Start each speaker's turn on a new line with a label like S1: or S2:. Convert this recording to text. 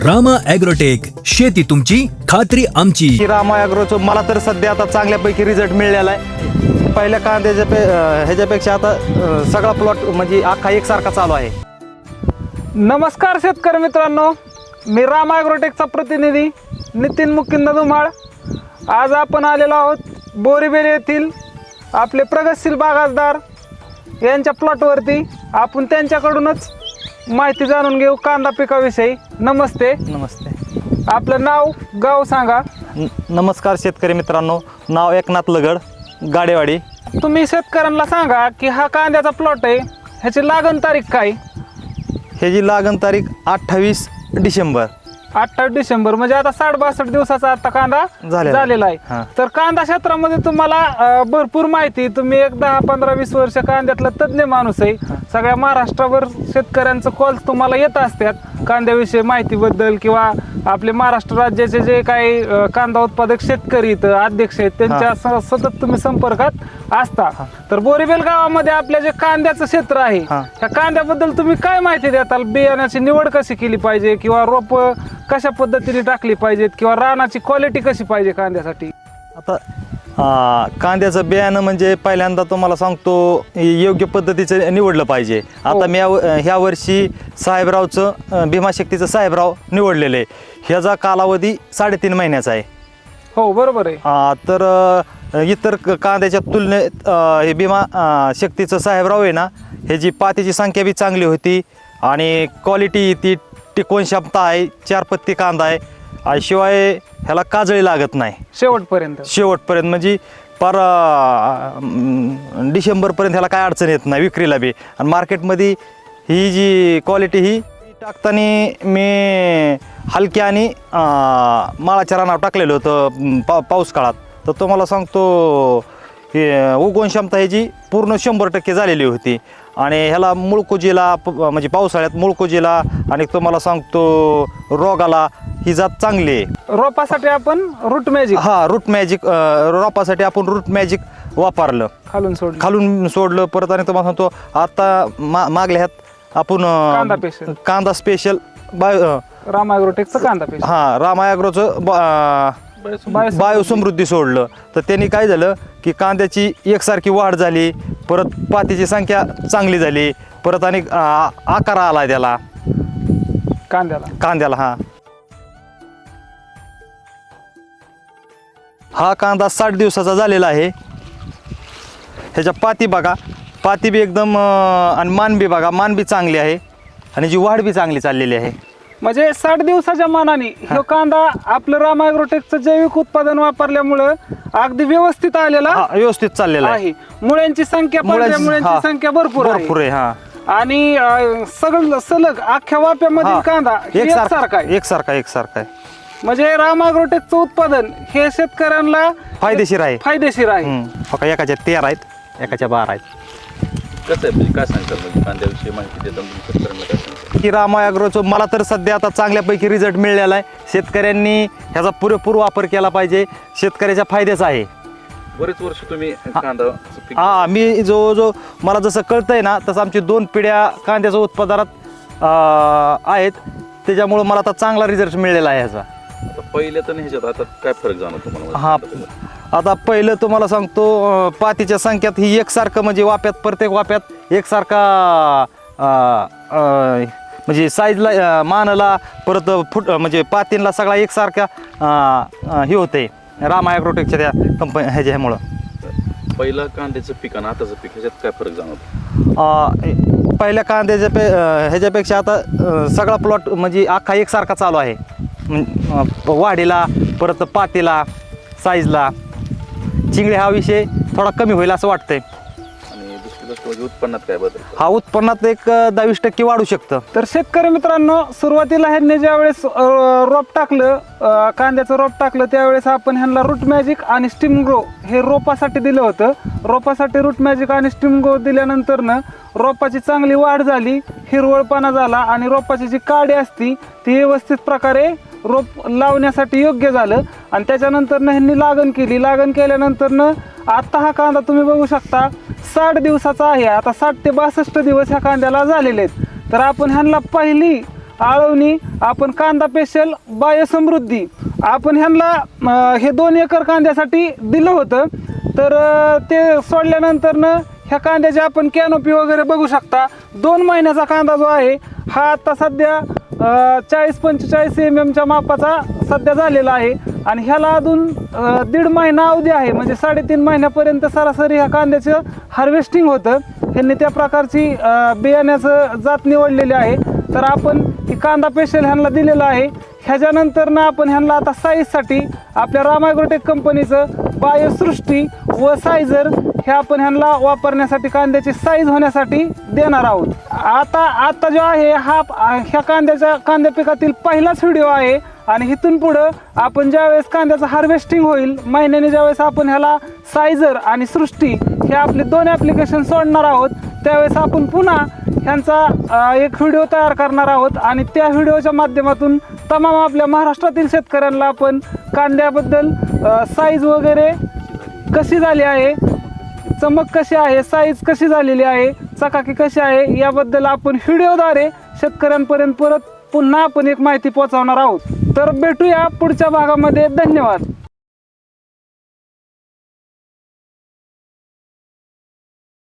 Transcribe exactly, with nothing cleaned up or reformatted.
S1: Rama agrotech, शेती तुमची खात्री आमची.
S2: की रामा ॲग्रोचं मला तर सध्या आता चांगल्यापैकी रिझल्ट मिळालेला आहे. पहिल्या कांद्याच्या पे अं, ह्याच्यापेक्षा आता अं, सगळा प्लॉट म्हणजे अख्खा एकसारखा चालू आहे.
S3: नमस्कार शेतकरी मित्रांनो, मी रामा ॲग्रोटेकचा प्रतिनिधी नितीन मुकिंद धुमाळ. आज आपण आलेलो आहोत बोरीबेल येथील आपले प्रगतशील बागायतदार यांच्या प्लॉटवरती. आपण त्यांच्याकडूनच माहिती जाणून घेऊ कांदा पिकाविषयी. नमस्ते.
S2: नमस्ते.
S3: आपलं नाव गाव सांगा.
S2: न- नमस्कार शेतकरी मित्रांनो, नाव एकनाथ लगड, गाडेवाडी.
S3: तुम्ही शेतकऱ्यांना सांगा की हा कांद्याचा प्लॉट आहे, ह्याची लागण तारीख काय?
S2: ह्याची लागण तारीख अठ्ठावीस डिसेंबर.
S3: अठ्ठावीस डिसेंबर म्हणजे आता साठ बासष्ट दिवसाचा आता कांदा
S2: झालेला
S3: झालेला
S2: आहे.
S3: आहे. तर कांदा क्षेत्रामध्ये तुम्हाला अं, भरपूर माहिती, तुम्ही एक दहा पंधरा वीस वर्ष कांद्यातला तज्ज्ञ माणूस आहे. सगळ्या महाराष्ट्रावर शेतकऱ्यांचं कॉल तुम्हाला येत असतात कांद्याविषयी माहितीबद्दल, किंवा आपले महाराष्ट्र राज्याचे जे काही अं, कांदा उत्पादक शेतकरी इथं अध्यक्ष आहेत त्यांच्या स- सतत तुम्ही संपर्कात असता. तर बोरीबेल गावामध्ये आपल्या जे कांद्याचं क्षेत्र आहे,
S2: हा.
S3: त्या कांद्याबद्दल तुम्ही काय माहिती देताल? बियाण्याची निवड कशी केली पाहिजे, किंवा रोप कशा पद्धतीने टाकली पाहिजेत, किंवा रानाची क्वालिटी कशी पाहिजे कांद्यासाठी?
S2: आता अं, कांद्याचं बियाणं म्हणजे पहिल्यांदा तुम्हाला सांगतो योग्य पद्धतीचं निवडलं पाहिजे. आता मी या- ह्या वर्षी साहेबरावचं अं, भीमाशक्तीचं साहेबराव निवडलेलं आहे. ह्याचा कालावधी साडेतीन महिन्याचा आहे.
S3: हो बरोबर आहे.
S2: आ, तर अ, इतर क- कांद्याच्या तुलनेत अ, हे भीमा अ, शक्तीचं साहेबराव आहे ना, ह्याची पातीची संख्या बी चांगली होती आणि क्वालिटी ती टिकवून क्षमता आहे. चार पत्ती कांदा आहे आणि शिवाय ह्याला काजळी लागत नाही
S3: शेवटपर्यंत.
S2: शेवटपर्यंत. म्हणजे पार अ, म, डिसेंबरपर्यंत ह्याला काय अडचण येत नाही विक्रीला बी. आणि मार्केटमध्ये ही जी क्वालिटी ही टाकताना मी हलकी आणि अ, माळाच्या रानावर टाकलेलं होतं पा पाऊस काळात. तर तुम्हाला सांगतो हे उगवण क्षमता ह्याची पूर्ण शंभर टक्के झालेली होती. आणि ह्याला मुळकुजीला प- म्हणजे पावसाळ्यात मुळकुजीला आणि तुम्हाला सांगतो रोगाला ही जात चांगली आहे.
S3: रोपासाठी आपण रूट मॅजिक
S2: हा रूट मॅजिक रोपासाठी आपण रूट मॅजिक वापरलं,
S3: खालून सोडलं.
S2: खालून सोडलं परत. आणि तुम्हाला सांगतो आता मा मागल्या ह्यात आपण अ,
S3: कांदा स्पेशल.
S2: कांदा स्पेशल बाय अ,
S3: रामा ॲग्रोटेकचं कांदा पेस्ट.
S2: हा रामा ॲग्रोचं ब- अ,
S3: बायोसमृद्धी.
S2: बायोसमृद्धी सोडलं. तर त्यांनी काय झालं की कांद्याची एकसारखी वाढ झाली, परत पातीची संख्या चांगली झाली, परत आणि अ, आकार आला त्याला
S3: कांद्याला.
S2: कांद्याला. हा हा कांदा साठ दिवसाचा झालेला आहे. ह्याच्या पाती बघा, पाती बी एकदम अं, आणि मान बी बघा, मान बी चांगली आहे आणि जी वाढ बी चांगली चाललेली आहे.
S3: म्हणजे साठ दिवसाच्या मानाने हा कांदा आपलं रामा ॲग्रोटेकचं जैविक उत्पादन वापरल्यामुळं अगदी व्यवस्थित आलेला
S2: हा व्यवस्थित चाललेला आहे.
S3: आहे. मुळ्यांची संख्या पांढऱ्या
S2: मुळ्यांची-
S3: मुळ्यांची
S2: हा.
S3: संख्या भरपूर आहे.
S2: भरपूर आहे. हा
S3: आणि अं, सगळं सलग अख्ख्या वाप्यामधील
S2: हा.
S3: कांदा हे एकसारखा आहे.
S2: एकसारखा एकसारखा आहे.
S3: म्हणजे रामा ॲग्रोटेकचं उत्पादन हे शेतकऱ्यांना
S2: फायदेशीर आहे.
S3: फायदेशीर आहे.
S2: हम्म. बघा, एकाच्या तेरा आहेत, एकाच्या बारा आहेत.
S4: कसं आहे म्हणजे काय सांगतात म्हणजे कांद्याविषयी माहिती देताना तुम्ही शेतकऱ्यांना काय सांगता?
S2: की रामा ॲग्रोचं मला तर सध्या आता चांगल्यापैकी रिझल्ट मिळालेला आहे. शेतकऱ्यांनी ह्याचा पुरेपूर वापर केला पाहिजे. शेतकऱ्याच्या फायद्याचा आहे.
S4: बरेच वर्ष तुम्ही कांदा पीक
S2: हा मी जो जो मला जसं कळतंय ना तसं आमची दोन पिढ्या कांद्याच्या उत्पादनात अं, आहेत. त्याच्यामुळं मला आता चांगला रिझल्ट मिळालेला आहे ह्याचा.
S4: आता पहिल्या तर ह्याच्यात आता काय फरक जाणवतो तुम्हाला?
S2: हा आता पहिलं तुम्हाला सांगतो अं, पातीच्या संख्यात ही एकसारखं म्हणजे वाप्यात प्रत्येक वाप्यात एकसारखा अं, अं, म्हणजे साईजला अं, मानला परत फुट म्हणजे पातींला सगळा एकसारखा अं, अं, हे होते रामा ॲग्रोटेकच्या त्या कंपनी ह्याच्यामुळं.
S4: पहिलं कांद्याचं पीक आणि आताचं पीक ह्याच्यात काय फरक जाणवतो?
S2: अं, पहिल्या कांद्याच्या पे अं, ह्याच्यापेक्षा आता अं, सगळा प्लॉट म्हणजे अख्खा एकसारखा चालू आहे. म्हण- अं, वाढीला परत पातीला साईजला. चिंगळे हा विषय थोडा कमी होईल असं वाटतंय.
S4: आणि दुसरी गोष्ट म्हणजे उत्पन्नात काय बदल?
S2: हा उत्पन्नात एक अं, दहावीस टक्के वाढू शकतं.
S3: तर शेतकरी मित्रांनो, सुरुवातीला ह्यांनी ज्यावेळेस अं, रोप टाकलं, अं, कांद्याचं रोप टाकलं, त्यावेळेस आपण ह्यांना रूट मॅजिक आणि स्टीम ग्रो हे रोपासाठी दिलं होतं. रोपासाठी रूट मॅजिक आणि स्टीम ग्रो दिल्यानंतरनं रोपाची चांगली वाढ झाली, हिरवळपणा झाला आणि रोपाची जी काडी असती ती व्यवस्थित प्रकारे रोप लावण्यासाठी योग्य झालं. आणि त्याच्यानंतरनं ह्यांनी लागण केली. लागण केल्यानंतरनं आता हा कांदा तुम्ही बघू शकता साठ दिवसाचा आहे. आता साठ ते बासष्ट दिवस ह्या कांद्याला झालेले आहेत. तर आपण ह्यांना पहिली आळवणी आपण कांदा पेशल बायोसमृद्धी आपण ह्यांना अं, हे दोन एकर कांद्यासाठी दिलं होतं. तर अं, ते सोडल्यानंतरनं ह्या कांद्याची आपण कॅनोपी वगैरे बघू शकता. दोन महिन्याचा कांदा जो आहे हा आता सध्या अं, चाळीस पंचेचाळीस एम एमच्या मापाचा सध्या झालेला आहे आणि ह्याला अजून अं, दीड महिना अवधी आहे. म्हणजे साडेतीन महिन्यापर्यंत सरासरी ह्या कांद्याचं हार्वेस्टिंग होतं. ह्यांनी त्या प्रकारची अं, बियाण्याचं जात निवडलेली आहे. तर आपण ही कांदा पेशल ह्यांना दिलेला आहे. ह्याच्यानंतर ना आपण ह्यांना आता साईजसाठी आपल्या राम ॲग्रोटेक कंपनीचं बायोसृष्टी व सायझर हे आपण ह्यांना वापरण्यासाठी कांद्याची साईज होण्यासाठी देणार आहोत. आता आता जो आहे हा ह्या कांद्याच्या कांद्या पिकातील पहिलाच व्हिडिओ आहे आणि इथून पुढं आपण ज्यावेळेस कांद्याचं हार्वेस्टिंग होईल महिन्याने ज्यावेळेस आपण ह्याला सायझर आणि सृष्टी हे आपले दोन ॲप्लिकेशन सोडणार आहोत त्यावेळेस आपण पुन्हा ह्यांचा एक व्हिडिओ तयार करणार आहोत आणि त्या व्हिडिओच्या माध्यमातून तमाम आपल्या महाराष्ट्रातील शेतकऱ्यांना आपण कांद्याबद्दल साईज वगैरे कशी झाली आहे, चमक कशी आहे, साईज कशी झालेली आहे, चकाकी कशी आहे याबद्दल आपण व्हिडिओद्वारे शेतकऱ्यांपर्यंत परत पुन्हा आपण एक माहिती पोहोचवणार आहोत. तर भेटूया पुढच्या भागामध्ये. धन्यवाद.